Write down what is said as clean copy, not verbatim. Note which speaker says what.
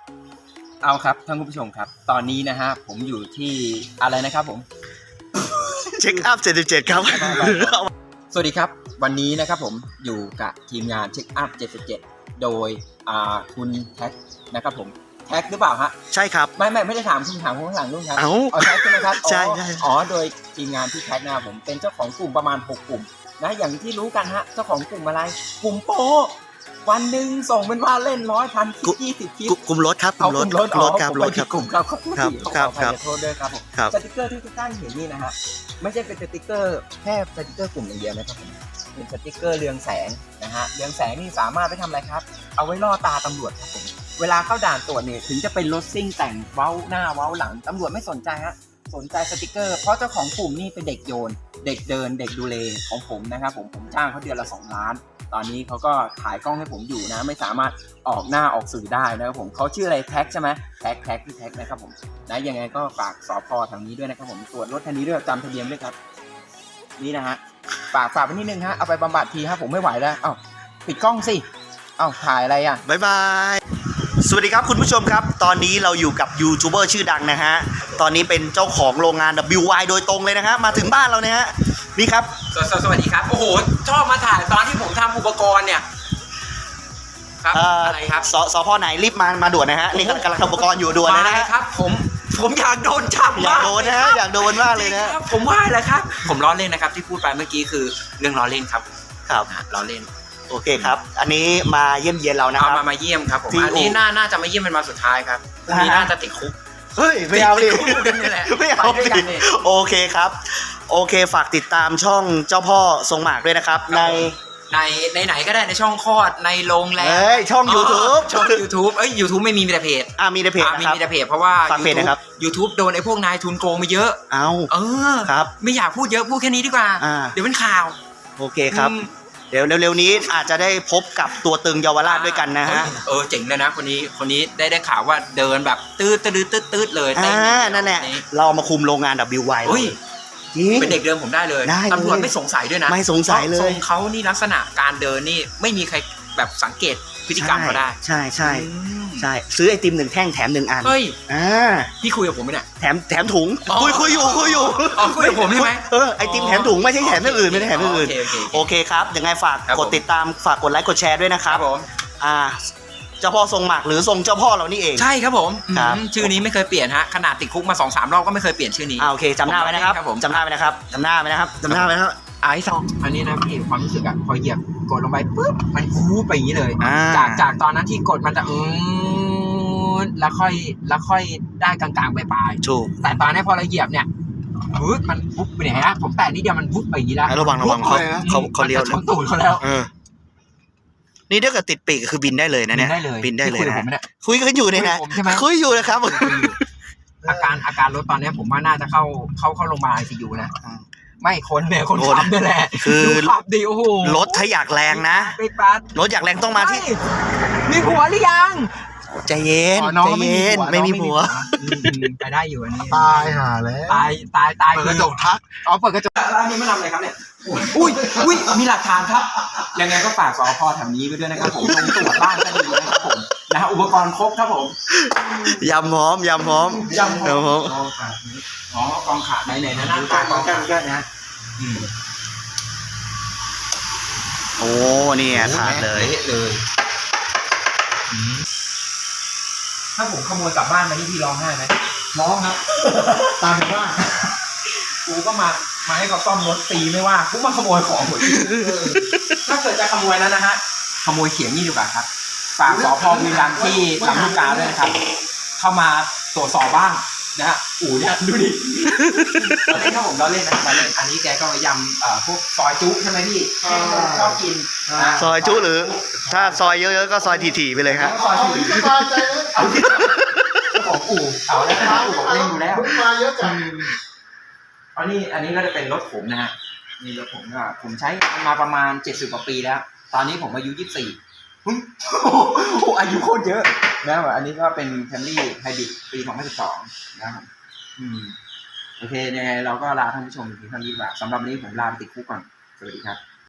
Speaker 1: เอาครับท่านผู้ชมครับตอนนี้นะฮะผมอยู่ที่อะไรนะครับผม
Speaker 2: เช็คอัพ77ครับ
Speaker 1: สวัสดีครับวันนี้นะครับผมอยู่กับทีมงานเช็คอัพ77โดยคุณแท็กนะครับผมแท็กหรือเปล่าฮะ
Speaker 2: ใช่ครับ
Speaker 1: ไม่ได้ถามคุณถามคนข้างหลังนู่นครับแท็กใช่ไหมครับ
Speaker 2: ใช่
Speaker 1: โดยทีมงานที่แท็กนะครับผมเป็นเจ้าของกลุ่มประมาณ6กลุ่มนะอย่างที่รู้กันฮะเจ้าของกลุ่มอะไรกลุ่มโปวันหนึ่งส่งเป็นว่าเล่น100,000 คลิป20 คลิป
Speaker 2: กลุ่มรถครับกลุ่มรถครับรถครับ
Speaker 1: กลุ่มครับ
Speaker 2: ครับ
Speaker 1: โทษด้วยครับผมสติกเกอร์ที่ทุกท่านเห็นนี่นะฮะไม่ใช่เป็นสติกเกอร์แค่สติกเกอร์กลุ่มอย่างเดียวนะครับผมเป็นสติกเกอร์เรืองแสงนะฮะเรืองแสงนี่สามารถไปทำอะไรครับเอาไว้ล่อตาตำรวจครับผมเวลาเข้าด่านตรวจเนี่ยถึงจะเป็นรถซิ่งแต่งเว้าหน้าเว้าหลังตำรวจไม่สนใจฮะสนใจสติกเกอร์เพราะเจ้าของกลุ่มนี่เป็นเด็กโยนเด็กเดินเด็กดูแลของผมนะครับผมจ้างเขาเดือนละ2 ล้านตอนนี้เขาก็ถ่ายกล้องให้ผมอยู่นะไม่สามารถออกหน้าออกสื่อได้นะครับผมเขาชื่ออะไรแท็กใช่ไหมแท็กที่แท็กนะครับผมนะยังไงก็ฝากสพทางนี้ด้วยนะครับผมตรวจรถคันนี้ด้วยจำทะเบียนด้วยครับนี่นะฮะฝากไปนิดนึงฮะเอาไปบำบัดทีครับผมไม่ไหวแล้วเอ้าปิดกล้องสิเอ้าถ่ายอะไรอ่ะ
Speaker 2: บ๊ายบายสวัสดีครับคุณผู้ชมครับตอนนี้เราอยู่กับยูทูบเบอร์ชื่อดังนะฮะตอนนี้เป็นเจ้าของโรงงาน WY โดยตรงเลยนะฮะมาถึงบ้านเราเนี่ยฮะนี่ครับ
Speaker 1: สวัสดีครับโอ้โหชอบมาถ่ายตอนที่ผมทำอุปกรณ์เนี่ยครับอะไรครับ
Speaker 2: สพไหนรีบมาด่วนนะฮะนี่กำลังทำอุปกรณ์อยู่ด่วนนะฮะ
Speaker 1: ครับผมอยากโดนจับ
Speaker 2: อยากโดนนะฮะอยากโดนมากเลยนะ
Speaker 1: ผมว่าอะไรครับผมล้อเล่นนะครับที่พูดไปเมื่อกี้คือเรื่องล้อเล่นครับล้อเล่น
Speaker 2: โอเคครับอันนี้มาเยี่ยมเยียนเรานะครับ
Speaker 1: มาเยี่ยมครับผมอันนี้น่าจะมาเยี่ยมเป็นมาสุดท้ายครับอันนี้น่าจะติดคุก
Speaker 2: เฮ้ยไม่เอาดิไม่เอาดิโอเคครับโอเคฝากติดตามช่องเจ้าพ่อทรงหมากด้วยนะครับใน
Speaker 1: ไหนก็ได้ในช่องคลอดในโรงแรม
Speaker 2: ช่อง YouTube
Speaker 1: YouTube ไม่มีแต่เพจ
Speaker 2: มีแต่เพจ
Speaker 1: มีแต่เพจเพราะว่า YouTube โดนไอ้พวกนายทุนโกงมาเยอะ
Speaker 2: ครับ
Speaker 1: ไม่อยากพูดเยอะพูดแค่นี้ดีกว่าเดี๋ยวเป็นข่าว
Speaker 2: โอเคครับเดี๋ยวเร็วๆนี้อาจจะได้พบกับตัวตึงเยาวราชด้วยกันนะฮะ
Speaker 1: เจ๋งเลยนะคนนี้ได้ข่าวว่าเดินแบบตืดเลย
Speaker 2: นั่นแหละเรามาคุมโรงงาน WY
Speaker 1: เป็นเด็กเดิมผมได้เลยตำรวจไม่สงสัยด้วยนะ
Speaker 2: ไม่สงสัยเลย
Speaker 1: ทรงเขานี่ลักษณะการเดินนี่ไม่มีใครแบบสังเกตพฤติกรรมเขาได้
Speaker 2: ใช่ซื้อไอติม1 แท่งแถม1 อัน
Speaker 1: เฮ้ยพี่คุยกับผมไหมเนี่ย
Speaker 2: แถมถุงคุยอยู่
Speaker 1: คุยกับผมใช่ไหม
Speaker 2: ไอติมแถมถุงไม่ใช่แถมอย่างอื่นไม่ได้แถมอย่างอื่นโอเคครับยังไงฝากกดติดตามฝากกดไลค์กดแชร์ด้วยนะครับ
Speaker 1: ผม
Speaker 2: เจ้าพ่อทรงหมากหรือทรงเจ้าพ่อเรานี่เอง
Speaker 1: ใช่ครับผมชื่อนี้ไม่เคยเปลี่ยนฮะขนาดติดคุกมา 2-3 รอบก็ไม่เคยเปลี่ยนชื่อนี้
Speaker 2: โอเคจำหน้าไว้นะครับจำหน้าไว้นะครับ
Speaker 1: ไอ้สองอันนี้นะพี่ความรู้สึกอะพอเหยียบกดลงไปปุ๊บมันฟูไปอย่างนี้เลยจากตอนนั้นที่กดมันจะแล้วค่อยได้กลางๆปลาย
Speaker 2: ถูก
Speaker 1: แต่ตอนนี้พอเราเหยียบเนี่ยมันวุบไปไหนฮะผมแตะนิดเดียวมันวุบไปอย่างนี้แล้ว
Speaker 2: ระวังเขาเลี้ยว
Speaker 1: ชนตูดเขาแล้ว
Speaker 2: นี่ถ้าเกิดติดปีกคือบินได้เลยนะเนี่ยบินได้เลยนะคุยกันอยู่เนี่ยนะคุยอยู่นะครับ
Speaker 1: อาการรถตอนนี้ผมว่าน่าจะเข้าโรงพยาบาล ICU นะไม่คนขับนี่แหละ
Speaker 2: คือ
Speaker 1: ขับดีโอ้โห
Speaker 2: รถถ้าอยากแรงนะรถอยากแรงต้องมาที่
Speaker 1: มีผัวหรือยัง
Speaker 2: ใจเย็นไม่มีผัว
Speaker 1: ไปได้อยู่อันนี้
Speaker 3: ตายหาแล้ว
Speaker 1: ตาย
Speaker 3: เปิดกระจกทัก
Speaker 1: เปิดกระจกแล้วอันนี้ไม่ทำอะไรครับเนี่ยอุ้ยมีหลักฐานครับยังไงก็ฝากสพแถวนี้ไปด้วยนะครับผมลงตรวจบ้านก็ดีนะครับผมนะฮะอุปกรณ์ครบครับผม
Speaker 2: ยำหอม
Speaker 1: กองขาดไหนนะกองกันนะ
Speaker 2: โอ้นี่ขาดเลย
Speaker 1: ถ้าผมขโมยกลับบ้านมาที่พี่ร้องไห้ไหม
Speaker 3: ร้องครับตามว่า
Speaker 1: กูก็มาให้เขาซ่อมรถตีไม่ว่ากูมาขโมยของหมดถ้าเกิดจะขโมยแล้วนะฮะขโมยเขียงนี่ดีกว่าครับฝากสพบุรีรัมย์ที่ลำลูกกาด้วยนะครับเข้ามาตรวจสอบบ้างนะฮะเนี่ยดูดิถ้าผมเราเล่นนะมาเล่นอันนี้แกก็ยำพวกซอยจุใช่ไหมพี่ชอบกิน
Speaker 2: ซอยจุหรือถ้าซอยเยอะๆก็ซอยถี่ๆไปเลยครับ
Speaker 3: ซอยถี่สบายใจเลย
Speaker 1: ของเอาแล้วนะผมเล่นอยู่แล้ว
Speaker 3: มาเยอะจัง
Speaker 1: อันนี้ก็จะเป็นรถผมนะฮะนี่รถผมก็ผมใช้มาประมาณ70 กว่าปีแล้วตอนนี้ผมอายุ24อายุโคตรเยอะนะอันนี้ก็เป็นแคมรี่ไฮบริดปี2012นะครับโอเคยังไงเราก็ลาท่านผู้ชมเพียงเท่านี้ดีกว่าสำหรับวันนี้ผมลาไปติดคุกก่อนสวัสดีครับ